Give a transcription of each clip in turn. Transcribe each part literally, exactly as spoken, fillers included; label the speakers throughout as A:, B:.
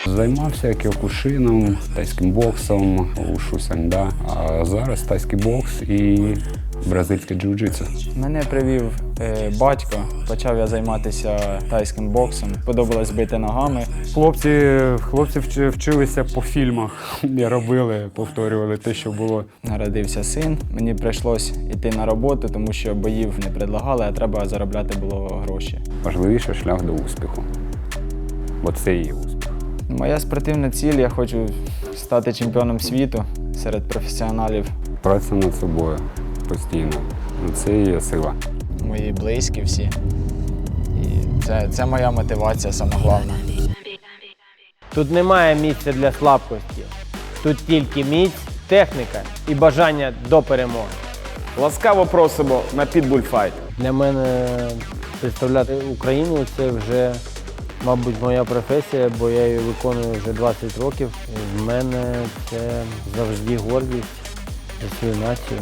A: Займався кіокушином, тайським боксом, ушу санда, а зараз тайський бокс і бразильське джиу-джитсу.
B: Мене привів е, батько, почав я займатися тайським боксом, подобалось бити ногами.
A: Хлопці, хлопці вч- вчилися по фільмах, і робили, повторювали те, що було.
B: Народився син, мені прийшлось йти на роботу, тому що боїв не предлагали, а треба заробляти було гроші.
A: Важливіший шлях до успіху, бо це і є успіх.
B: Моя спортивна ціль, я хочу стати чемпіоном світу серед професіоналів.
A: Праця над собою постійно, це і є сила.
B: Мої близькі всі. І це, це моя мотивація, саме головне.
C: Тут немає місця для слабкості. Тут тільки міць, техніка і бажання до перемоги.
D: Ласкаво просимо на Pitbull Fight.
C: Для мене представляти Україну – це вже, мабуть, моя професія, бо я її виконую вже двадцять років. І в мене це завжди гордість за свою націю.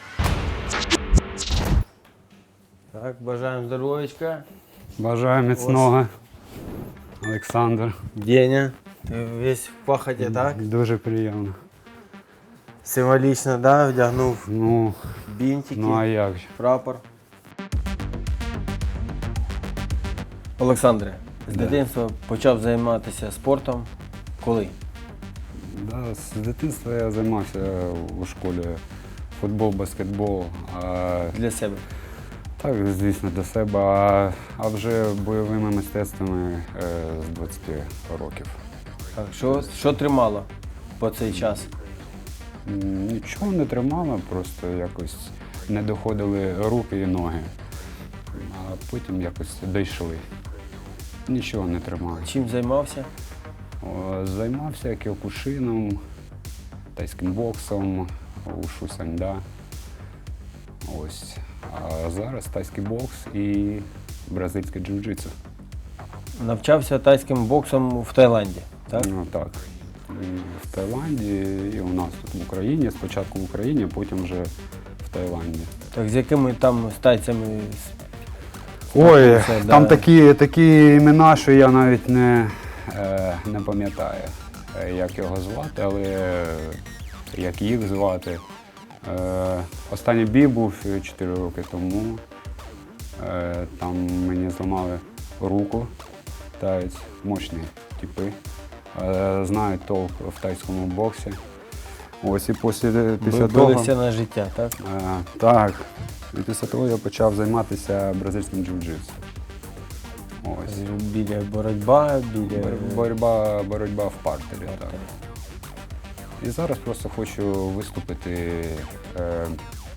C: Так, бажаємо здоров'ячка.
A: Бажаю міцного, Олександр.
C: Деня, ти весь в пахоті, так?
A: Дуже приємно.
C: Символічно, да, вдягнув
A: Ну,
C: бінтики,
A: ну а як же?
C: прапор. Олександре, з дитинства почав займатися спортом. Коли?
A: Да, з дитинства я займався у школі футбол, баскетбол. А,
C: Для себе.
A: так, звісно, до себе, а, а вже бойовими мистецтвами е, з двадцяти років.
C: Так, що, що тримало по цей час?
A: М, Нічого не тримало, просто якось не доходили руки і ноги, а потім якось дійшли. Нічого не тримало.
C: Чим займався?
A: О, Займався кіокушином, тайським боксом, ушу санда. Ось. А зараз тайський бокс і бразильське джиу-джитсу.
C: Навчався тайським боксом в Таїланді, так?
A: Ну, так. І в Таїланді, і у нас тут в Україні. Спочатку в Україні, потім вже в Таїланді.
C: Так, з якими там з тайцями?
A: Ой,
C: Це,
A: там
C: да.
A: такі, такі імена, що я навіть не, е, не пам'ятаю, е, як його звати, але е, як їх звати. Е, Останній бій був чотири роки тому. Е, Там мені зламали руку, таєць, мощні типи. Е, Знають толк в тайському боксі. Ось і після, після того.
C: Билися на життя, так?
A: Е, Так. І після того я почав займатися бразильським джиу-джитсу. Ось.
C: Біля боротьба, біля...
A: Бор- Боротьба, боротьба в партері, так. І зараз просто хочу виступити е,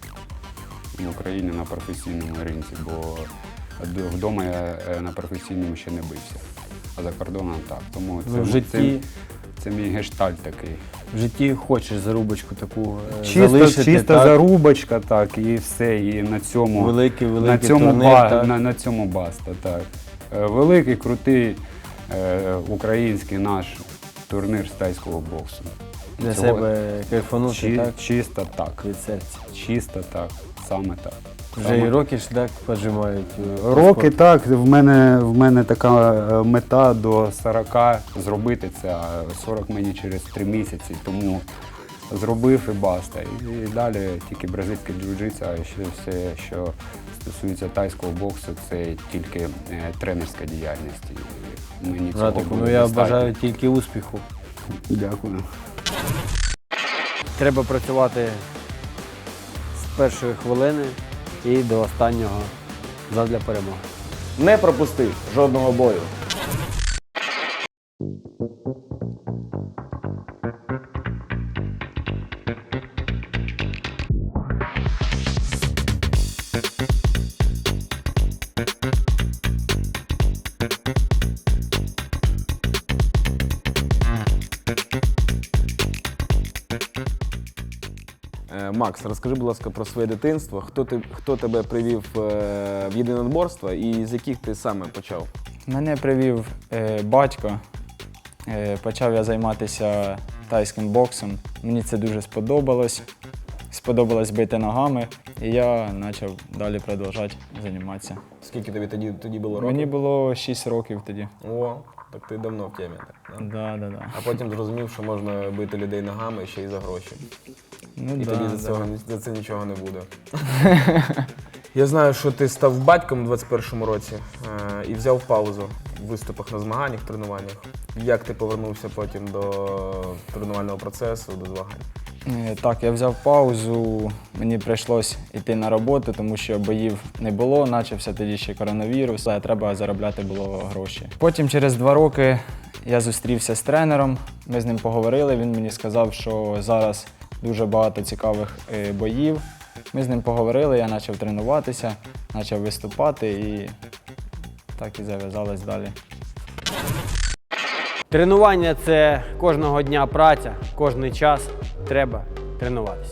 A: в Україні на професійному ринці, бо д- вдома я е, на професійному ще не бився, а за кордоном так. Тому це,
C: Ну, в житті-
A: це, це мій гештальт такий.
C: В житті хочеш зарубочку таку е,
A: Чисто,
C: залишити,
A: чисто
C: так?
A: зарубочка, так, і все, і на цьому,
C: Великий, великий
A: на цьому,
C: турнір,
A: ба,
C: так?
A: на, на цьому баста, так. Е, Великий, крутий е, український наш турнір з тайського боксу.
C: Для
A: Цього-
C: себе кайфанути,
A: Чи,
C: так?
A: Чисто так,
C: Від серця.
A: чисто так, саме так.
C: Вже
A: Саме-
C: і роки ж так поджимають. е, по
A: Роки
C: спорту.
A: так, в мене, в мене така е, мета до сорока зробити це, а сорок мені через три місяці, тому зробив і баста. І, і далі тільки бразильське джиу-джитсу, а ще все, що стосується тайського боксу, це тільки е, тренерська діяльність. І мені цього
C: Братику,
A: буде
C: ну я
A: достатньо.
C: бажаю тільки успіху.
A: Дякую.
C: Треба працювати з першої хвилини і до останнього задля перемоги.
D: Не пропусти жодного бою. Е, Макс, розкажи, будь ласка, про своє дитинство. Хто, ти, хто тебе привів е, в єдиноборство і з яких ти саме почав?
B: Мене привів е, батько, е, почав я займатися тайським боксом. Мені це дуже сподобалось. сподобалось бити ногами, і я почав далі продовжувати займатися.
D: Скільки тобі тоді, тоді було років?
B: Мені було шість років тоді.
D: О, так ти давно в темі, так? Да?
B: Да, да, да.
D: А потім зрозумів, що можна бити людей ногами ще й за гроші.
B: Ну,
D: І
B: да,
D: тоді за,
B: да.
D: цього, за це нічого не буде. Я знаю, що ти став батьком у двадцять першому році е, і взяв паузу в виступах на змаганнях, тренуваннях. Як ти повернувся потім до тренувального процесу, до змагань?
B: Е, Так, я взяв паузу, мені прийшлось йти на роботу, тому що боїв не було, почався тоді ще коронавірус, а треба заробляти було гроші. Потім через два роки я зустрівся з тренером, ми з ним поговорили, він мені сказав, що зараз дуже багато цікавих е, боїв. Ми з ним поговорили, я почав тренуватися, почав виступати і так і зав'язалось далі.
E: Тренування – це кожного дня праця, кожний час треба тренуватися.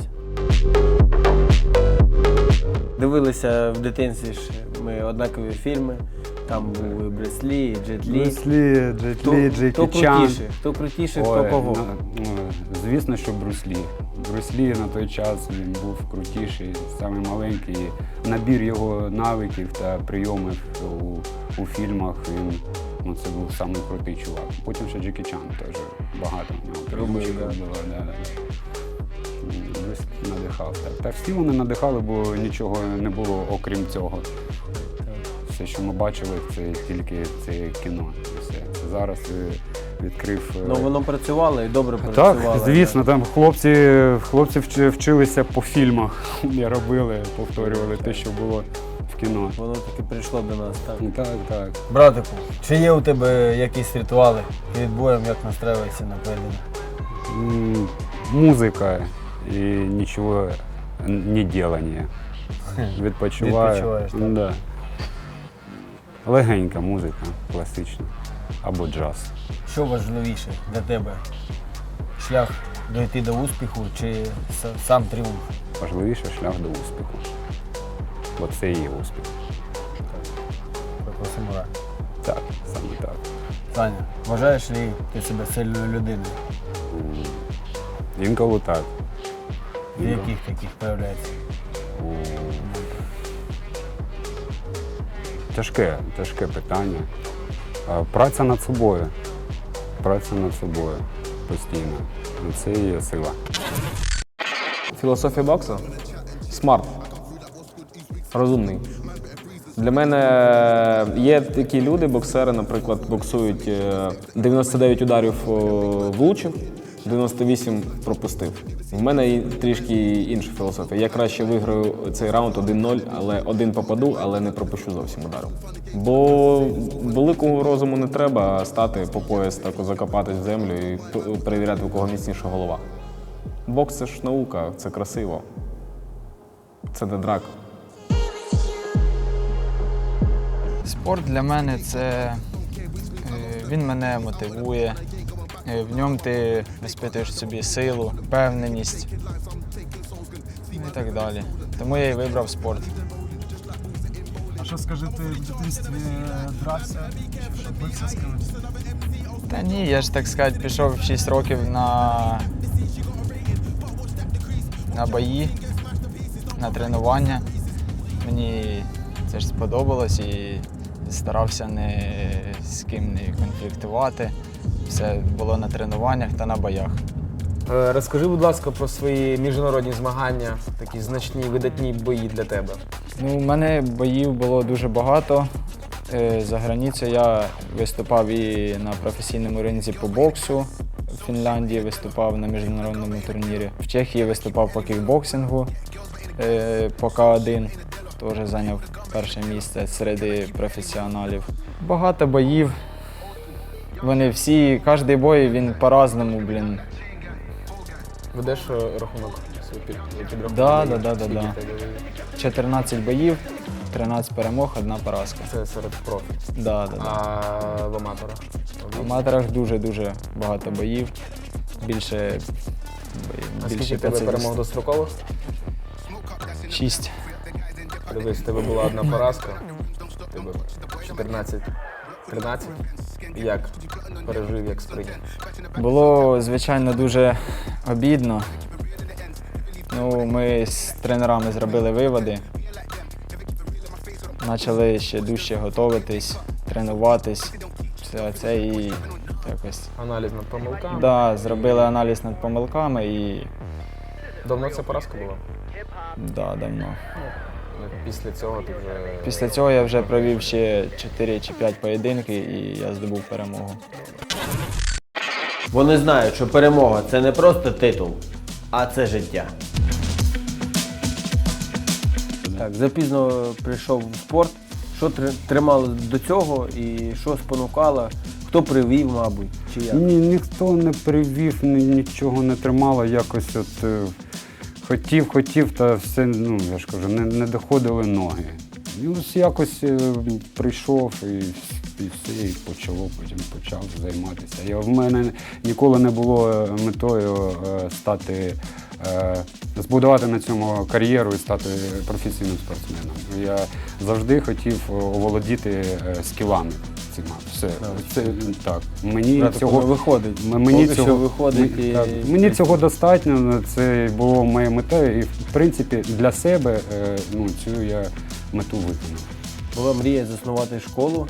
E: Дивилися в дитинстві ж ми однакові фільми. Там були Брюс Лі, Джет Лі.
A: Брюс Лі, Джет
E: Хто,
A: Лі,
E: хто
A: Джекі Чан.
E: крутіше, хто крутіше, хто
A: Ой,
E: кого.
A: ну, ну, звісно, що Брюс Лі. Брюс Лі на той час він був крутіший, самий маленький. Набір його навиків та прийомів у, у фільмах, він, ну, це був самий крутий чувак. Потім ще Джекі Чан теж багато в нього прийомчиків було. Да, да. Брюс надихав. Так. Та всі вони надихали, бо нічого не було окрім цього. Все, що ми бачили, це тільки це кіно. І все. Це зараз е, відкрив. е,
E: Ну воно працювало і добре працювало.
A: Так, звісно, там хлопці, хлопці вч- вчилися по фільмах. Я робили, повторювали те, що було в кіно.
E: Воно таки прийшло до нас, так.
A: Так, так.
E: Братику, чи є у тебе якісь ритуали перед боєм, як настраюєшся на поєдинок?
A: М, Музика і нічого не делання. Відпочиваю.
E: Відпочиваєш, так?
A: Да. Легенька музика, класична. Або джаз.
E: Що важливіше для тебе? Шлях дойти до успіху чи с- сам тріумф?
A: Важливіше шлях до успіху. Бо це і є успіх.
E: Про самурай.
A: Так, саме так.
E: Таня, вважаєш ли ти себе сильною людиною?
A: М, Інколи так.
E: В яких таких проявляється?
A: О, Тяжке, тяжке питання. А, Праця над собою. Праця над собою постійно. І це і є сила.
D: Філософія боксу? Смарт. Розумний. Для мене є такі люди, боксери, наприклад, боксують е, дев'яносто дев'ять ударів е, влучив, дев'яносто вісім пропустив. В мене і трішки інша філософія. Я краще виграю цей раунд один нуль, але один попаду, але не пропущу зовсім удару. Бо великого розуму не треба стати по пояс, так закопатись в землю і п- перевіряти, у кого міцніша голова. Бокс – це ж наука, це красиво. Це не драка.
B: Спорт для мене це е, він мене мотивує. Е, В ньому ти виспитуєш собі силу, впевненість і так далі. Тому я і вибрав спорт.
F: А що, скажи, ти в дитинстві дрався, чи що бився з кимось?
B: Та ні, я ж так сказати, пішов в шість років на, на бої, на тренування. Мені це ж сподобалось і старався не з ким не конфліктувати. Все було на тренуваннях та на боях.
D: Е, Розкажи, будь ласка, про свої міжнародні змагання, такі значні, видатні бої для тебе.
B: Ну, у мене боїв було дуже багато. Е, За границею я виступав і на професійному ринзі по боксу. В Фінляндії виступав на міжнародному турнірі. В Чехії виступав по кікбоксингу е, по К один. Теж зайняв перше місце серед професіоналів. Багато боїв. Вони всі, кожен бой він по-разному, блін.
D: Ведеш е, рахунок свій під, підрахунок?
B: Да, да, да, да,
D: Скільки
B: да.
D: в тебе боїв?
B: чотирнадцять боїв, тринадцять перемог, одна поразка.
D: Це серед профі.
B: Да, да, да.
D: А в аматорах?
B: В аматорах дуже-дуже багато боїв. Більше,
D: А
B: більше
D: скільки в тебе перемог дострокових?
B: шість.
D: Дивись, в тебе була одна поразка, в тебе чотирнадцять тринадцять. Як пережив, як сприйняв?
B: Було, звичайно, дуже обідно. Ну, ми з тренерами зробили виводи. Почали ще дужче готуватись, тренуватись. Все це і якось.
D: Аналіз над помилками.
B: Да, зробили аналіз над помилками і
D: Давно це поразка була?
B: да, давно.
D: Після цього ти вже.
B: Після цього я вже провів ще чотири чи п'ять поєдинків і я здобув перемогу.
E: Вони знають, що перемога – це не просто титул, а це життя. Так, запізно прийшов в спорт. Що тр- тримало до цього і що спонукало? Хто привів, мабуть, чи як?
A: Ні, ніхто не привів, ні, нічого не тримало, якось от е, хотів, хотів, та все, ну я ж кажу, не, не доходили ноги. І ось якось е, прийшов і, і все, і почало, потім почав займатися. Я, в мене ніколи не було метою е, стати, е, збудувати на цьому кар'єру і стати професійним спортсменом. Я завжди хотів оволодіти е, скілами. цими. Все, це так. Мені
E: Брати,
A: цього
E: виходить.
A: М- Мені
E: Поки що
A: цього
E: виходить
A: М-
E: і-
A: так, мені цього достатньо. Це було моєю метою, і в принципі для себе е, ну, цю я мету виконав.
E: Була мрія заснувати школу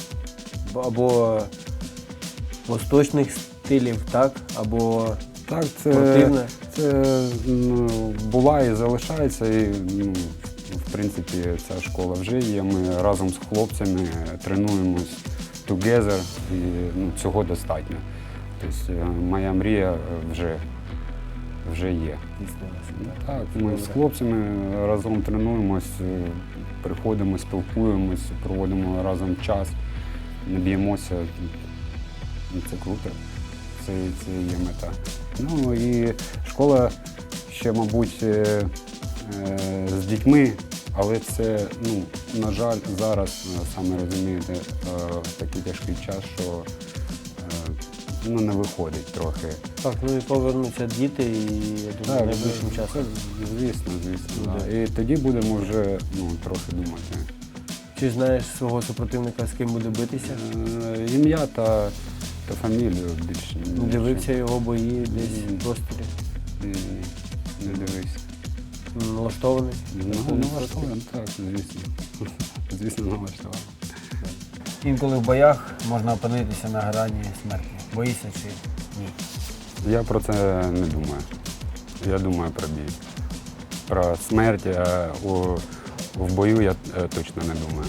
E: або восточних стилів, так? Або
A: Так, це,
E: спортивне.
A: це ну, була і залишається. І, ну, в принципі, ця школа вже є. Ми разом з хлопцями тренуємось together, і ну, цього достатньо. Тобто е, моя мрія вже, вже є. Так, ми з хлопцями разом тренуємось, е, приходимо, спілкуємось, проводимо разом час, не б'ємося. Ну, це круто, це, це є мета. Ну і школа ще, мабуть, е, е, з дітьми, але це, ну, на жаль, зараз, е, саме розумієте, е, такий тяжкий час, що е, ну, не виходить трохи.
E: Так, ну і повернуться діти, і я думаю, найближчим
A: це-
E: часом.
A: Звісно, звісно.
E: Ну,
A: Да. І тоді будемо вже ну, трохи думати.
E: Чи знаєш свого супротивника, з ким буде битися?
A: Е, Ім'я та, та фамілію більше. ні.
E: Дивився його бої десь
A: Ні.
E: в просторі?
A: Ні, ні, не дивився.
E: Налаштований?
A: Ну, налаштований, так, звісно. Звісно, налаштований.
C: Інколи в боях можна опинитися на грані смерті. Боїшся чи ні?
A: Я про це не думаю. Я думаю про бій. Про смерть а у, в бою я е, точно не думаю.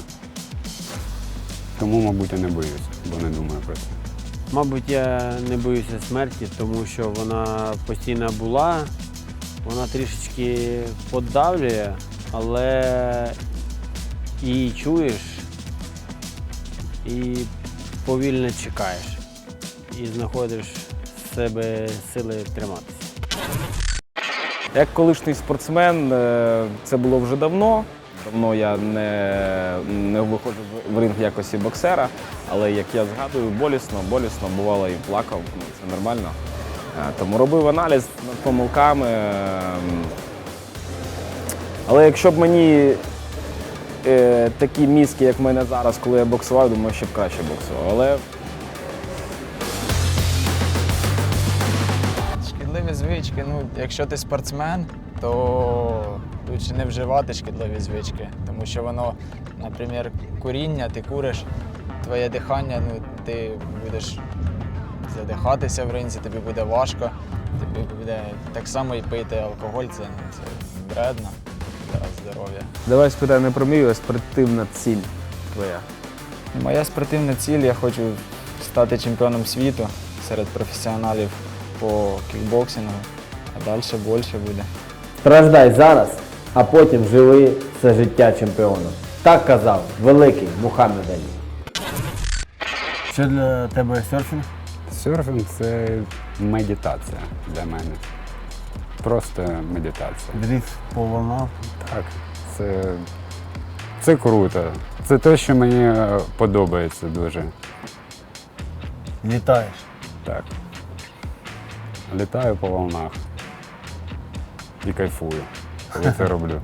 A: Тому, мабуть, я не боюсь, бо не думаю про це.
G: Мабуть, я не боюся смерті, тому що вона постійно була, вона трішечки подавлює, але її чуєш і повільно чекаєш, і знаходиш в себе сили триматися.
D: Як колишній спортсмен, е, це було вже давно. Давно я не, не виходжу в ринг в якості боксера, але як я згадую, болісно, болісно, бувало і плакав, ну, це нормально. Е, Тому робив аналіз над помилками. е, Але якщо б мені е, такі мізки, як в мене зараз, коли я боксував, думаю, що б краще боксував. Але
B: Шкідливі звички, ну, якщо ти спортсмен, то лучше не вживати шкідливі звички, тому що воно, наприклад, куріння, ти куриш, твоє дихання, ну, ти будеш задихатися в ринзі, тобі буде важко, тобі буде так само і пити алкоголь, це, ну, це вредно для здоров'я.
D: давай спитаю не про мрію, а спортивна ціль твоя.
B: Моя спортивна ціль, я хочу стати чемпіоном світу серед професіоналів по кікбоксингу, а далі більше буде.
E: Страждай зараз, а потім живи все життя чемпіоном. Так казав великий Мухаммед Алі.
C: Що для тебе серфінг?
A: Серфінг – це медитація для мене. Просто медитація.
C: Дріфт по волнам?
A: Так, це, це круто. Це те, що мені е, подобається дуже.
C: Літаєш?
A: Так. Літаю по волнах і кайфую, коли це роблю.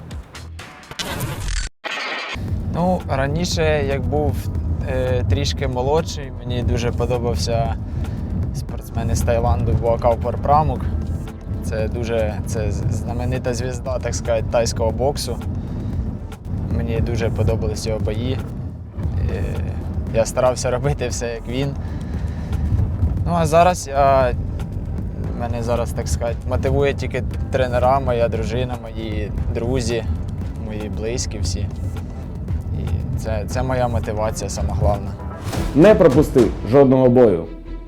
B: Ну, раніше, як був е, трішки молодший, мені дуже подобався спортсмен із Таїланду Буакав Порпрамук. Це дуже це знаменита звізда, так сказати, тайського боксу. Мені дуже подобались його бої. Е, Я старався робити все, як він. Ну а зараз я, мене зараз, так сказати, мотивує тільки тренера, моя дружина, мої друзі, мої близькі всі. І це, це моя мотивація сама головна.
D: Не пропусти жодного бою.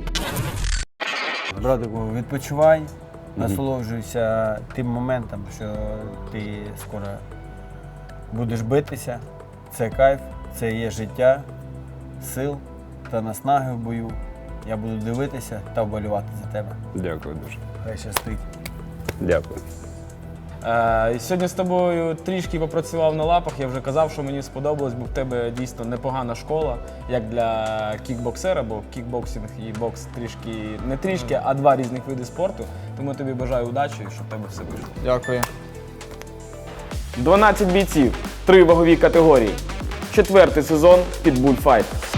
E: Братику, відпочивай, насолоджуйся тим моментом, що ти скоро будеш битися. Це кайф, це є життя, сил та наснаги в бою. Я буду дивитися та вболівати за тебе.
A: Дякую дуже.
E: Хай щастить.
A: Дякую.
D: Е, сьогодні з тобою трішки попрацював на лапах, я вже казав, що мені сподобалось, бо в тебе дійсно непогана школа, як для кікбоксера, бо кікбоксинг і бокс трішки, не трішки, а два різних види спорту. Тому тобі бажаю удачі, щоб в тебе все вийшло.
B: Дякую.
D: дванадцять бійців, три вагові категорії. Четвертий сезон Pitbull Fight.